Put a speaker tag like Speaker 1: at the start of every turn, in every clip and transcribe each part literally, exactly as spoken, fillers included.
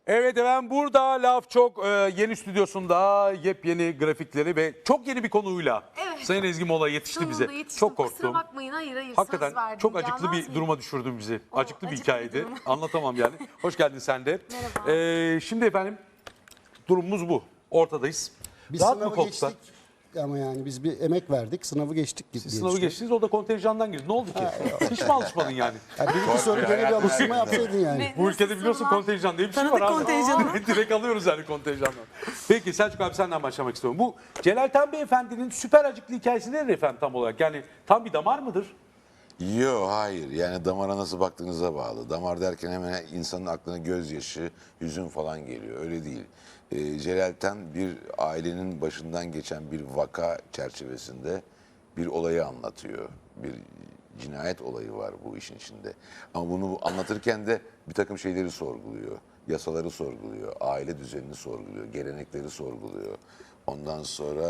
Speaker 1: Evet efendim burada Laf Çok e, yeni stüdyosunda yepyeni grafikleri ve çok yeni bir konuyla
Speaker 2: Evet.
Speaker 1: Sayın Ezgi Mola yetişti
Speaker 2: Sonunda
Speaker 1: bize.
Speaker 2: yetiştim.
Speaker 1: Çok
Speaker 2: Kusura
Speaker 1: korktum.
Speaker 2: bakmayın, hayır hayır söz
Speaker 1: Hakikaten
Speaker 2: verdim.
Speaker 1: çok acıklı
Speaker 2: Gelmez
Speaker 1: bir
Speaker 2: miyim?
Speaker 1: duruma düşürdün bizi.
Speaker 2: O,
Speaker 1: acıklı bir
Speaker 2: acıklı bir
Speaker 1: hikayeydi.
Speaker 2: durum.
Speaker 1: Anlatamam yani. Hoş geldin sen de.
Speaker 2: Merhaba.
Speaker 1: E, şimdi efendim durumumuz bu. Ortadayız.
Speaker 3: Biz
Speaker 1: Rahat mı
Speaker 3: sınavı
Speaker 1: koltuklar?
Speaker 3: geçtik ama yani biz bir emek verdik, sınavı geçtik gibi.
Speaker 1: Siz sınavı geçtiniz, o da kontenjandan girdi. Ne oldu ki? Hiç mi alışmadın yani?
Speaker 3: Yani bir iki soru gene bir alıştırma yapsaydın yani.
Speaker 2: Ne-
Speaker 1: Bu ülkede
Speaker 2: nasıl
Speaker 1: biliyorsun
Speaker 2: sorular?
Speaker 1: kontenjan diye bir şey
Speaker 2: Tanıdık
Speaker 1: var abi.
Speaker 2: kontenjanı.
Speaker 1: Direkt alıyoruz yani kontenjandan. Peki Selçuk abi senden başlamak istiyorum. Bu Celal Tan Beyefendi'nin süper acıklı hikayesi nedir efendim tam olarak? Yani tam bir damar mıdır?
Speaker 4: Yok hayır yani damara nasıl baktığınıza bağlı. Damar derken hemen insanın aklına gözyaşı, hüzün falan geliyor. Öyle değil. Ee, Celal Tan bir ailenin başından geçen bir vaka çerçevesinde bir olayı anlatıyor. Bir cinayet olayı var bu işin içinde. Ama bunu anlatırken de bir takım şeyleri sorguluyor. Yasaları sorguluyor, aile düzenini sorguluyor, gelenekleri sorguluyor. Ondan sonra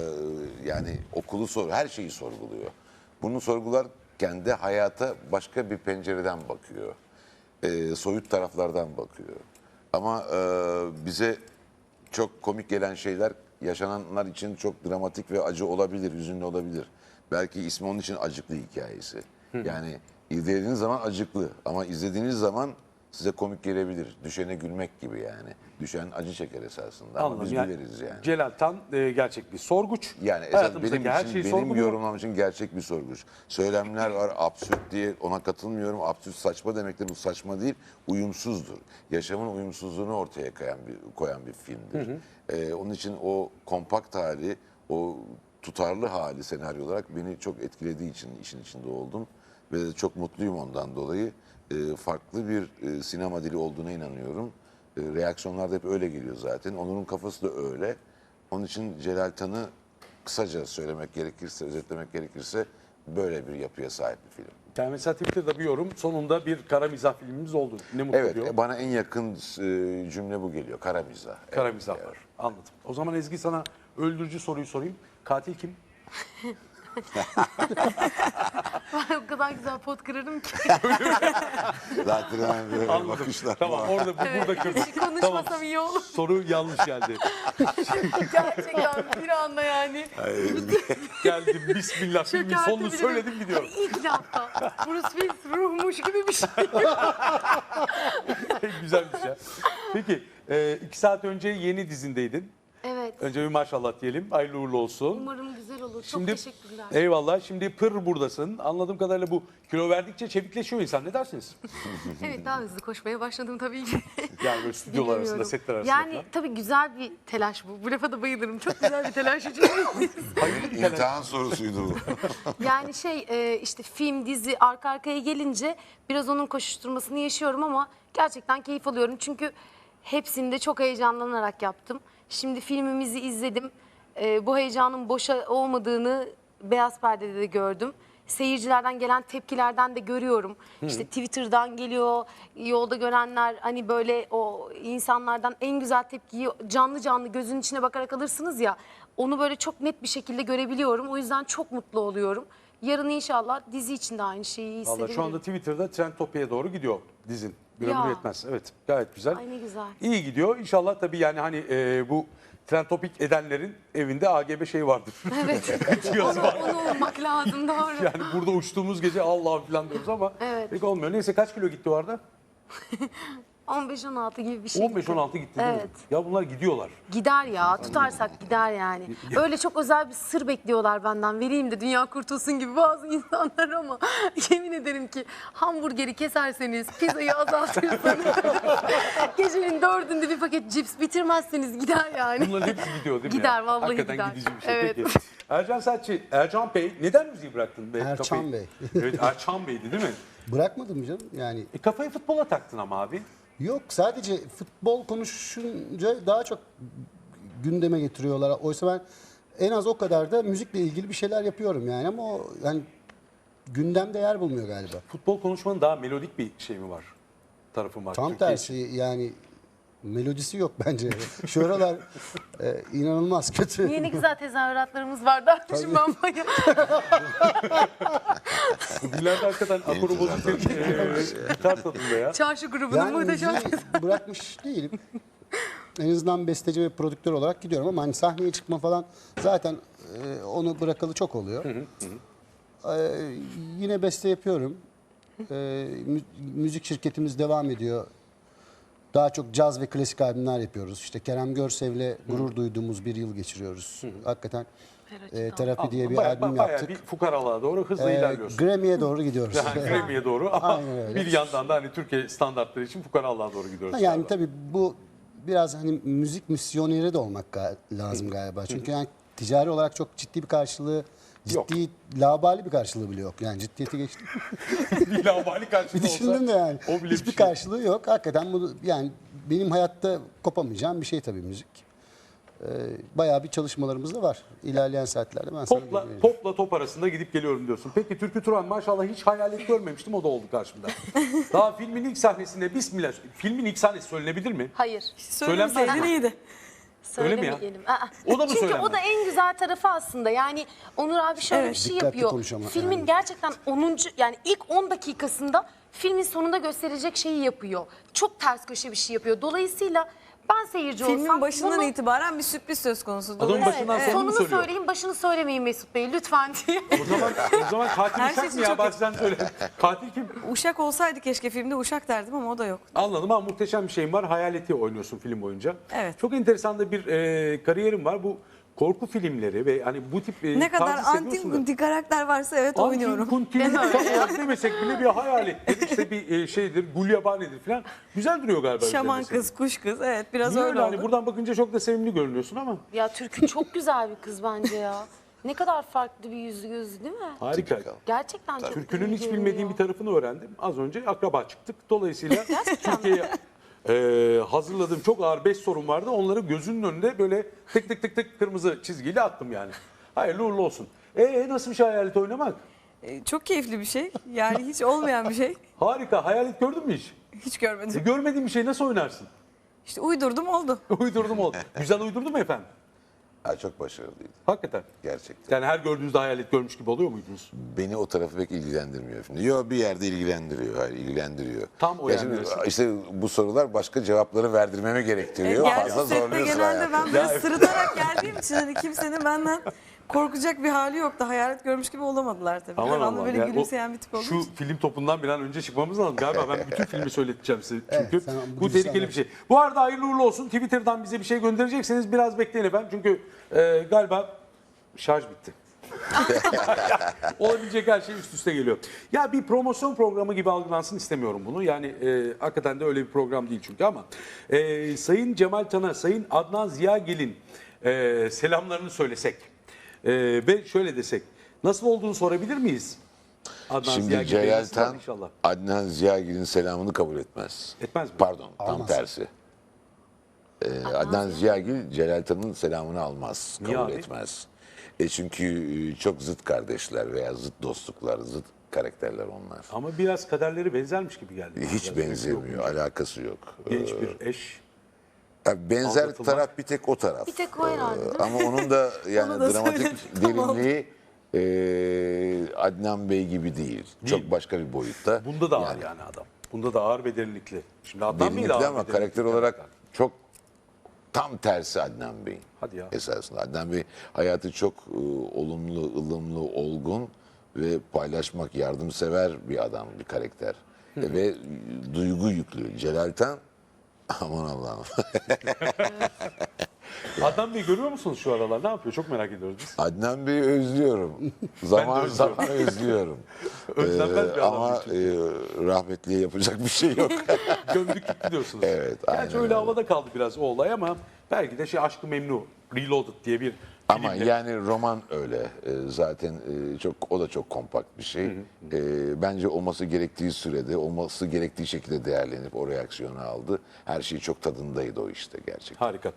Speaker 4: yani okulu sor, her şeyi sorguluyor. Bunu sorgularken de hayata başka bir pencereden bakıyor. Ee, soyut taraflardan bakıyor. Ama e, bize çok komik gelen şeyler yaşananlar için çok dramatik ve acı olabilir, hüzünlü olabilir. Belki ismi onun için acıklı hikayesi. Yani izlediğiniz zaman acıklı ama izlediğiniz zaman size komik gelebilir. Düşene gülmek gibi yani. Düşen acı çeker esasında ama
Speaker 1: Anladım.
Speaker 4: biz
Speaker 1: Yani
Speaker 4: güleriz yani.
Speaker 1: Celal Tan e, gerçek bir sorguç.
Speaker 4: Yani esas
Speaker 1: Hayatımızdaki
Speaker 4: benim
Speaker 1: her
Speaker 4: için,
Speaker 1: şeyi
Speaker 4: benim
Speaker 1: sorguluyor.
Speaker 4: yorumlam için gerçek bir sorguç. Söylemler var absürt diye ona katılmıyorum. Absürt saçma demektir. Bu saçma değil, uyumsuzdur. Yaşamın uyumsuzluğunu ortaya koyan bir, koyan bir filmdir. Ee, onun için o kompakt hali, o tutarlı hali senaryo olarak beni çok etkilediği için işin içinde oldum. Ve de çok mutluyum ondan dolayı. Ee, farklı bir e, sinema dili olduğuna inanıyorum. E, reaksiyonlar da hep öyle geliyor zaten. Onur'un kafası da öyle. Onun için Celal Tan'ı kısaca söylemek gerekirse, özetlemek gerekirse böyle bir yapıya sahip bir film.
Speaker 1: Yani mesela Twitter'da bir yorum, sonunda bir kara mizah filmimiz oldu. Ne mutlu
Speaker 4: Evet,
Speaker 1: diyor.
Speaker 4: e, bana en yakın e, cümle bu geliyor. Kara mizah.
Speaker 1: Kara
Speaker 4: Evet,
Speaker 1: mizah
Speaker 4: evet.
Speaker 1: var. Anladım. O zaman Ezgi sana öldürücü soruyu sorayım. Katil kim?
Speaker 2: Ben o kadar güzel pot kırarım ki.
Speaker 4: Zaten hemen böyle
Speaker 1: Anladım.
Speaker 4: bakışlar
Speaker 1: Tamam
Speaker 4: var.
Speaker 1: orada bu burada kırdık.
Speaker 2: Hiç konuşmasam iyi olur.
Speaker 1: Soru yanlış geldi.
Speaker 2: Gerçekten bir anda yani.
Speaker 1: Geldim bismillah filmin
Speaker 2: Çökertebilirim.
Speaker 1: sonunu söyledim gidiyorum.
Speaker 2: Hani ilk lafta Bruce Willis ruhmuş gibi bir şey.
Speaker 1: Güzelmiş ya. Peki e, iki saat önce yeni dizindeydin.
Speaker 2: Evet.
Speaker 1: Önce bir maşallah diyelim. Hayırlı uğurlu olsun.
Speaker 2: Umarım güzel olur. Çok
Speaker 1: Şimdi,
Speaker 2: teşekkürler.
Speaker 1: eyvallah. Şimdi pır buradasın. Anladığım kadarıyla bu kilo verdikçe çevikleşiyor insan. Ne dersiniz?
Speaker 2: Evet, daha hızlı koşmaya başladım tabii ki.
Speaker 1: Yani böyle stüdyolar arasında,
Speaker 2: Bilemiyorum.
Speaker 1: setler arasında
Speaker 2: Yani
Speaker 1: falan.
Speaker 2: tabii güzel bir telaş bu. Bu lafa da bayılırım. Çok güzel bir telaş için.
Speaker 4: İmtihan sorusuydu bu.
Speaker 2: Yani şey e, işte film, dizi arka arkaya gelince biraz onun koşuşturmasını yaşıyorum ama gerçekten keyif alıyorum. Çünkü hepsini de çok heyecanlanarak yaptım. Şimdi filmimizi izledim. E, bu heyecanın boşa olmadığını beyaz perdede de gördüm. Seyircilerden gelen tepkilerden de görüyorum. İşte Twitter'dan geliyor, yolda görenler hani böyle o insanlardan en güzel tepkiyi canlı canlı gözün içine bakarak alırsınız ya. Onu böyle çok net bir şekilde görebiliyorum. O yüzden çok mutlu oluyorum. Yarın inşallah dizi için de aynı şeyi hissedebilirim.
Speaker 1: Valla şu anda Twitter'da Trendtopia'ya doğru gidiyor dizin. Bir
Speaker 2: Ya.
Speaker 1: ömür yetmez. Evet gayet güzel.
Speaker 2: Ay ne güzel.
Speaker 1: İyi gidiyor. İnşallah tabii yani hani e, bu Trendtopik edenlerin evinde A G B şey vardır.
Speaker 2: Evet.
Speaker 1: Yazı
Speaker 2: onu,
Speaker 1: var.
Speaker 2: onu olmak lazım doğru.
Speaker 1: Yani burada uçtuğumuz gece Allah'ım falan diyoruz ama
Speaker 2: Evet.
Speaker 1: pek olmuyor. Neyse kaç kilo gitti o arada?
Speaker 2: on beş on altı gibi bir şey.
Speaker 1: on beş on altı gitti değil mi?
Speaker 2: Evet.
Speaker 1: Ya bunlar gidiyorlar.
Speaker 2: Gider ya, tutarsak gider yani. Öyle çok özel bir sır bekliyorlar benden. Vereyim de dünya kurtulsun gibi bazı insanlar ama yemin ederim ki hamburgeri keserseniz, pizzayı azaltırsanız, gecenin dördünde bir paket cips bitirmezseniz gider yani.
Speaker 1: Bunların hepsi gidiyor değil mi?
Speaker 2: Gider,
Speaker 1: ya?
Speaker 2: vallahi
Speaker 1: Hakikaten
Speaker 2: gider.
Speaker 1: gidici bir şey.
Speaker 2: Evet.
Speaker 1: Peki. Ercan Saatçi, Ercan Bey neden müziği bıraktın? Be,
Speaker 3: Erçan
Speaker 1: kafayı-
Speaker 3: Bey.
Speaker 1: Evet Erçan Bey'di değil mi?
Speaker 3: Bırakmadım canım yani.
Speaker 1: E, kafayı futbola taktın ama abi.
Speaker 3: Yok, sadece futbol konuşunca daha çok gündeme getiriyorlar. Oysa ben en az o kadar da müzikle ilgili bir şeyler yapıyorum yani ama o yani gündemde yer bulmuyor galiba.
Speaker 1: Futbol konuşmanın daha melodik bir şey mi var? Tarafı var.
Speaker 3: Tam
Speaker 1: Türkiye
Speaker 3: tersi
Speaker 1: için.
Speaker 3: yani Melodisi yok bence. Şu aralar e, inanılmaz kötü.
Speaker 2: Niye ne güzel tezahüratlarımız var dermişim ben baya.
Speaker 1: Bugünlerde hakikaten akoru bozuk bir e, gitar tadında ya.
Speaker 2: Çarşı grubunun
Speaker 3: Yani
Speaker 2: muhteşem.
Speaker 3: müziği bırakmış değilim. En azından besteci ve prodüktör olarak gidiyorum ama hani sahneye çıkma falan zaten e, onu bırakalı çok oluyor. E, yine beste yapıyorum. E, mü- müzik şirketimiz devam ediyor. Daha çok caz ve klasik albümler yapıyoruz. İşte Kerem Görsev'le gurur duyduğumuz bir yıl geçiriyoruz. Hakikaten e, Terapi diye bir
Speaker 1: Baya-
Speaker 3: albüm
Speaker 1: bayağı
Speaker 3: yaptık.
Speaker 1: bir fukaralığa doğru hızlı
Speaker 3: E,
Speaker 1: ilerliyorsun.
Speaker 3: Grammy'ye doğru gidiyoruz.
Speaker 1: Yani Grammy'ye doğru ama
Speaker 3: Aynen öyle.
Speaker 1: bir yandan da hani Türkiye standartları için fukaralığa doğru gidiyoruz.
Speaker 3: Ha, yani
Speaker 1: galiba.
Speaker 3: tabii bu biraz hani müzik misyoneri de olmak ga- lazım galiba. Çünkü yani ticari olarak çok ciddi bir karşılığı,
Speaker 1: Yok.
Speaker 3: ciddi labali bir karşılığı bile yok. Yani ciddiyeti geçtim.
Speaker 1: bir lavabali
Speaker 3: Bir
Speaker 1: karşılığı olsa
Speaker 3: düşündüm de yani.
Speaker 1: o bile bir
Speaker 3: Hiçbir
Speaker 1: şey.
Speaker 3: karşılığı yok. Hakikaten bu yani benim hayatta kopamayacağım bir şey tabii müzik. Ee, bayağı bir çalışmalarımız da var. İlerleyen saatlerde ben sana
Speaker 1: Popla,
Speaker 3: bilgi vereceğim.
Speaker 1: popla top arasında gidip geliyorum diyorsun. Peki Türkü Turan maşallah hiç hayalet görmemiştim, o da oldu karşımda. Daha filmin ilk sahnesinde bismillah. Filmin ilk sahnesi söylenebilir mi?
Speaker 2: Hayır.
Speaker 5: Söylemeseydin iyiydi.
Speaker 1: Öyle mi ya?
Speaker 2: Söylemeyelim. Aa,
Speaker 1: O da mı
Speaker 2: Çünkü
Speaker 1: söylenmez?
Speaker 2: o da en güzel tarafı aslında. Yani Onur abi şöyle
Speaker 5: Evet.
Speaker 2: bir şey
Speaker 3: Dikkatli
Speaker 2: yapıyor.
Speaker 3: konuş ama
Speaker 2: Filmin
Speaker 3: yani.
Speaker 2: gerçekten onuncu yani ilk on dakikasında filmin sonunda gösterecek şeyi yapıyor. Çok ters köşe bir şey yapıyor. Dolayısıyla ben seyirci olsam
Speaker 5: Filmin başından
Speaker 2: bunu,
Speaker 5: itibaren bir sürpriz söz konusu.
Speaker 1: Adamın
Speaker 5: Dolayısıyla-
Speaker 1: başından
Speaker 5: Evet.
Speaker 1: sonunu mu
Speaker 2: sonunu
Speaker 1: söylüyor?
Speaker 2: söyleyin, başını söylemeyin Mesut Bey lütfen diye.
Speaker 1: O zaman o zaman katil
Speaker 5: Her
Speaker 1: Uşak
Speaker 5: şey
Speaker 1: mı
Speaker 5: için
Speaker 1: ya?
Speaker 5: çok-
Speaker 1: Bazen söyle. Katil kim?
Speaker 5: Uşak olsaydı keşke filmde Uşak derdim ama o da yok.
Speaker 1: Anladım ama muhteşem bir şeyim var. Hayaleti oynuyorsun film boyunca.
Speaker 5: Evet.
Speaker 1: Çok enteresan da bir e, kariyerim var. Bu korku filmleri ve hani bu tip e,
Speaker 5: Ne kadar
Speaker 1: tarzı seviyorsun da.
Speaker 5: antin karakter varsa evet
Speaker 1: Antin
Speaker 5: oynuyorum.
Speaker 1: kuntin tam olarak demesek bile bir hayalettir, işte bir e, şeydir, gulyabanidir falan. Güzel duruyor galiba.
Speaker 5: Şaman
Speaker 1: üzerinde
Speaker 5: kız, kuş kız evet biraz
Speaker 1: senin. Niye
Speaker 5: öyle
Speaker 1: öyle?
Speaker 5: oldu.
Speaker 1: Hani buradan bakınca çok da sevimli görünüyorsun ama.
Speaker 2: Ya Türkü çok güzel bir kız bence ya. Ne kadar farklı bir yüzü gözü değil mi?
Speaker 1: Harika.
Speaker 2: Gerçekten çok
Speaker 1: Türkünün
Speaker 2: iyi
Speaker 1: hiç
Speaker 2: görünüyor.
Speaker 1: bilmediğim bir tarafını öğrendim. Az önce akraba çıktık. Dolayısıyla
Speaker 2: Gerçekten mi?
Speaker 1: Türkiye'ye e, hazırladığım çok ağır beş sorum vardı. Onları gözünün önünde böyle tık tık tık tık kırmızı çizgiyle attım yani. Hayırlı uğurlu olsun. E nasıl bir şey hayalet oynamak?
Speaker 5: Ee, Çok keyifli bir şey. Yani hiç olmayan bir şey.
Speaker 1: Harika. Hayalet gördün mü hiç?
Speaker 5: Hiç
Speaker 1: E,
Speaker 5: görmedim.
Speaker 1: görmediğin bir şey nasıl oynarsın?
Speaker 5: İşte uydurdum oldu.
Speaker 1: Uydurdum oldu. Güzel uydurdu mu efendim?
Speaker 4: Ha, çok başarılıydı
Speaker 1: Hakikaten.
Speaker 4: gerçekten.
Speaker 1: Yani her gördüğünüzde hayalet görmüş gibi oluyor muydunuz?
Speaker 4: Beni o tarafı pek ilgilendirmiyor şimdi. Yok, bir yerde ilgilendiriyor. Hayır, ilgilendiriyor.
Speaker 1: Tam o
Speaker 4: Ya
Speaker 1: yani
Speaker 4: şimdi
Speaker 1: neresi?
Speaker 4: işte bu sorular başka cevapları verdirmemi gerektiriyor.
Speaker 5: Gerçi
Speaker 4: Fazla
Speaker 5: sette
Speaker 4: zorluyorsun
Speaker 5: genelde
Speaker 4: hayatı.
Speaker 5: ben böyle sırıtarak geldiğim için hani kimsenin benden korkacak bir hali yoktu. Hayalet görmüş gibi olamadılar tabii.
Speaker 1: Aman
Speaker 5: Devamlı
Speaker 1: Allah'ım.
Speaker 5: böyle
Speaker 1: Yani o-
Speaker 5: gülümseyen bir tip olduğum
Speaker 1: Şu
Speaker 5: için.
Speaker 1: film topundan bir an önce çıkmamız lazım. Galiba ben bütün filmi söyleteceğim size çünkü.
Speaker 3: Evet, sen
Speaker 1: bu
Speaker 3: bugün
Speaker 1: tehlikeli
Speaker 3: sen-
Speaker 1: bir şey. Bu arada hayırlı uğurlu olsun. Twitter'dan bize bir şey gönderecekseniz biraz bekleyin efendim. Çünkü e, galiba şarj bitti. Olabilecek her şey üst üste geliyor. Ya bir promosyon programı gibi algılansın istemiyorum bunu. Yani e, hakikaten de öyle bir program değil çünkü ama. E, Sayın Cemal Tan'a, Sayın Adnan Ziyagil'in e, selamlarını söylesek e, ve şöyle desek. Nasıl olduğunu sorabilir miyiz? Adnan
Speaker 4: Şimdi
Speaker 1: Ziyagil Bey
Speaker 4: Celal
Speaker 1: nasıl var
Speaker 4: Tan
Speaker 1: inşallah?
Speaker 4: Adnan Ziyagil'in selamını kabul etmez.
Speaker 1: Etmez mi?
Speaker 4: Pardon, tam
Speaker 3: Almaz.
Speaker 4: tersi. Ee, Adnan Ziyagil Celal Tan'ın selamını almaz,
Speaker 1: Niye
Speaker 4: kabul
Speaker 1: abi?
Speaker 4: etmez. E çünkü e, çok zıt kardeşler veya zıt dostluklar, zıt karakterler onlar.
Speaker 1: Ama biraz kaderleri benzermiş gibi geldi.
Speaker 4: Hiç
Speaker 1: Biraz
Speaker 4: benzemiyor, alakası yok.
Speaker 1: Genç
Speaker 4: Ee,
Speaker 1: bir eş.
Speaker 4: ya benzer
Speaker 1: aldatılmak.
Speaker 4: taraf bir tek o taraf.
Speaker 2: Bir tek o herhalde, değil mi?
Speaker 4: Ama onun da yani
Speaker 5: Onu da
Speaker 4: dramatik
Speaker 5: söyledim, tamam.
Speaker 4: derinliği e, Adnan Bey gibi değil. Çok başka bir boyutta.
Speaker 1: Bunda da ağır yani, adam. Bunda da ağır ve derinlikli. Şimdi Adnan Bey de
Speaker 4: Derinlikli
Speaker 1: ağır
Speaker 4: ama
Speaker 1: ve derinlikli
Speaker 4: karakter olarak çok tam tersi Adnan Bey.
Speaker 1: Hadi ya.
Speaker 4: Esasında Adnan Bey hayatı çok e, olumlu, ılımlı, olgun ve paylaşmak, yardımsever bir adam, bir karakter. E, ve duygu yüklü. Celal Tan, aman Allah'ım.
Speaker 1: Adnan Bey görüyor musunuz şu aralar? Ne yapıyor? Çok merak ediyoruz biz.
Speaker 4: Adnan Bey'i özlüyorum. zaman
Speaker 1: özlüyorum.
Speaker 4: zaman özlüyorum.
Speaker 1: Özlenmez
Speaker 4: Ee,
Speaker 1: bir adam
Speaker 4: ama
Speaker 1: çünkü.
Speaker 4: e, rahmetliye yapacak bir şey yok.
Speaker 1: Gömdük gitti diyorsunuz.
Speaker 4: Evet,
Speaker 1: Gerçi
Speaker 4: aynen
Speaker 1: öyle
Speaker 4: öyle.
Speaker 1: havada kaldı biraz o olay ama belki de şey Aşk-ı Memnu, Reloaded diye bir
Speaker 4: Ama
Speaker 1: filmle.
Speaker 4: yani roman öyle. Ee, zaten e, çok o da çok kompakt bir şey. Ee, bence olması gerektiği sürede, olması gerektiği şekilde değerlenip o reaksiyonu aldı. Her şey çok tadındaydı o işte gerçekten.
Speaker 1: Harika.